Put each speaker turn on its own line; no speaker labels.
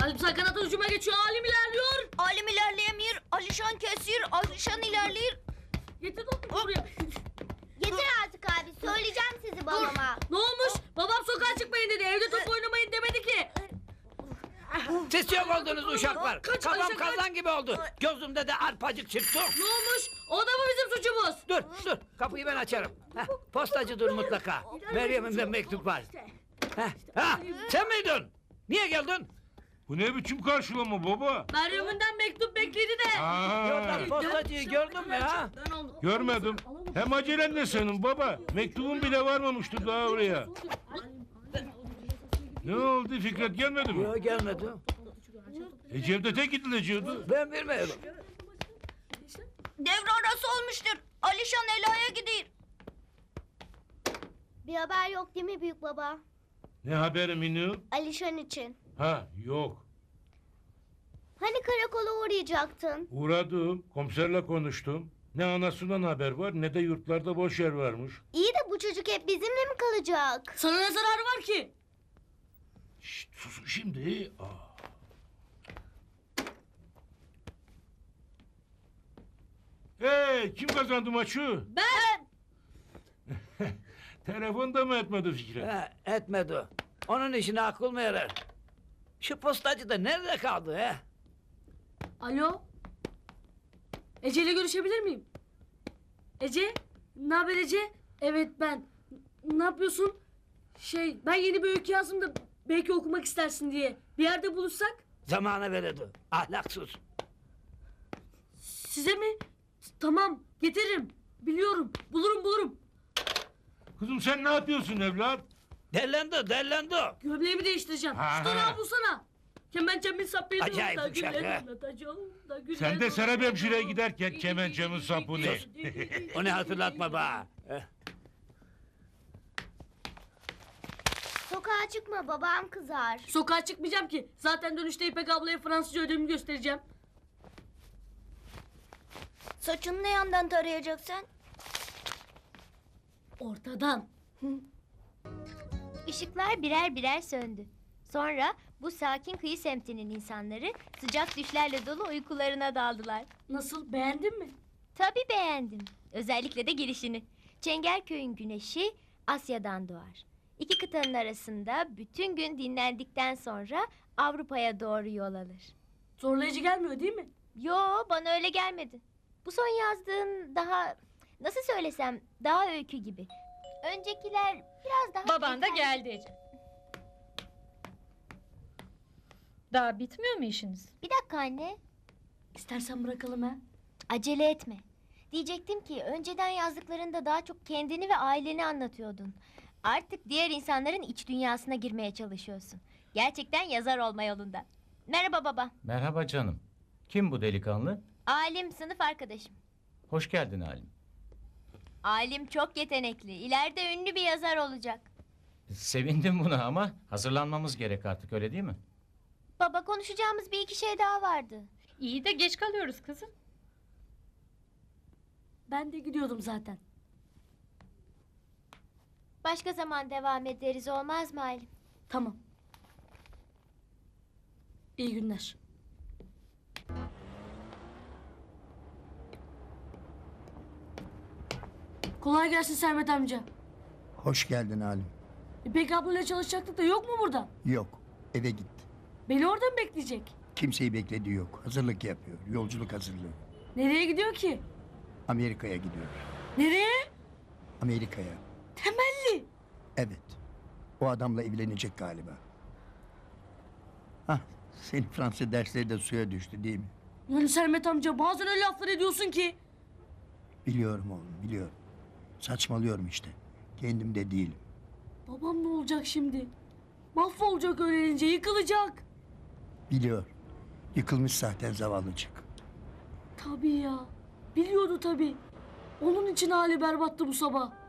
Alpsar kanat hücuma geçiyor. Alim ilerliyor.
Alim ilerleyemiyor. Alişan kesiyor. Alişan ilerliyor.
Getir topu buraya.
Yeter artık abi. Söyleyeceğim sizi babama.
Ne olmuş? Babam sokağa çıkmayın dedi. Evde top oynamayın demedi ki.
Siz yok oldunuz uşaklar.
Kaç,
Kafam
Ayşe, kaç.
kazan gibi oldu. Gözümde de arpacık çıktı.
Ne olmuş? O da mı bizim suçumuz?
Dur. Kapıyı ben açarım. Heh, postacıdır mutlaka. Meryem'imden mektup var. Sen miydin? Niye geldin?
Bu ne biçim karşılama baba?
Meryem'inden mektup bekledi de.
Yoldan postacıyı gördün mü ha?
Ben aldım.
Görmedim. Hem acelen ne senin baba? Mektubun bile varmamıştır daha oraya. Ne oldu, Fikret gelmedi mi?
Yok gelmedi.
Cevdet'e gidileceğiydi.
Ben bilmiyorum.
Devre arası olmuştur. Alişan Ela'ya gidiyor. Bir haber yok değil mi büyük baba?
Ne haberi Minu?
Alişan için.
Ha yok.
Hani karakola uğrayacaktın?
Uğradım, komiserle konuştum. Ne anasından haber var ne de yurtlarda boş yer varmış.
İyi de bu çocuk hep bizimle mi kalacak?
Sana ne zararı var ki?
Şşt susun şimdi. Hey kim kazandı maçı?
Ben.
Telefonda mı etmedi Fikret?
Etmedi. Onun işine akıl mı yarar? Şu postacı da nerede kaldı he?
Alo. Ece ile görüşebilir miyim? Ece? Ne haber Ece? Evet ben. Ne yapıyorsun? Ben yeni bir öykü yazdım da belki okumak istersin diye. Bir yerde buluşsak?
Zamana veredi. Ahlaksız.
Size mi? Tamam getiririm. Biliyorum. Bulurum.
Kızım sen ne yapıyorsun evlat?
Dellendi.
Gömleğimi değiştireceğim.
Ha,
Şu tarağı
ha.
bulsana. Kemençemin sapıydı.
Acayip
da
uşak,
güller
ha.
anlatacağım, da güller
Sen de Serap
anlatacağım.
hemşireye giderken kemençemin sapını.
Sus. Onu hatırlatma bana.
Sokağa çıkma babam kızar.
Sokağa çıkmayacağım ki. Zaten dönüşte İpek ablaya Fransızca ödevimi göstereceğim.
Saçını ne yandan tarayacaksın?
Ortadan.
Işıklar birer birer söndü. Sonra bu sakin kıyı semtinin insanları sıcak düşlerle dolu uykularına daldılar.
Nasıl? Beğendin mi?
Tabii beğendim. Özellikle de girişini. Çengelköy'ün güneşi Asya'dan doğar. İki kıtanın arasında bütün gün dinlendikten sonra Avrupa'ya doğru yol alır.
Zorlayıcı gelmiyor değil mi?
Yo, bana öyle gelmedi. Bu son yazdığın daha, nasıl söylesem, daha öykü gibi. Öncekiler biraz daha...
Baban da geldi Ece. Daha bitmiyor mu işiniz?
Bir dakika anne.
İstersen bırakalım ha.
Acele etme. Diyecektim ki önceden yazdıklarında daha çok kendini ve aileni anlatıyordun. Artık diğer insanların iç dünyasına girmeye çalışıyorsun. Gerçekten yazar olma yolunda. Merhaba baba.
Merhaba canım. Kim bu delikanlı?
Alim sınıf arkadaşım.
Hoş geldin Halim.
Alim çok yetenekli. İleride ünlü bir yazar olacak.
Sevindim buna ama hazırlanmamız gerek artık öyle değil mi?
Baba konuşacağımız bir iki şey daha vardı.
İyi de geç kalıyoruz kızım.
Ben de gidiyordum zaten.
Başka zaman devam ederiz olmaz mı Alim?
Tamam. İyi günler. Kolay gelsin Sermet amca.
Hoş geldin Halim.
İpek ablayla çalışacaktık da yok mu burada?
Yok, eve gitti.
Beni orada mı bekleyecek?
Kimseyi beklediği yok. Hazırlık yapıyor. Yolculuk hazırlığı.
Nereye gidiyor ki?
Amerika'ya gidiyor.
Nereye?
Amerika'ya.
Temelli.
Evet. O adamla evlenecek galiba. Hah, senin Fransız dersleri de suya düştü değil mi?
Yani Sermet amca bazen öyle laflar ediyorsun ki.
Biliyorum oğlum, biliyorum. Saçmalıyorum işte. Kendim de değilim.
Babam ne olacak şimdi? Mahvolacak öğrenince yıkılacak.
Biliyor. Yıkılmış zaten zavallıcık.
Tabii ya. Biliyordu tabii. Onun için hali berbattı bu sabah.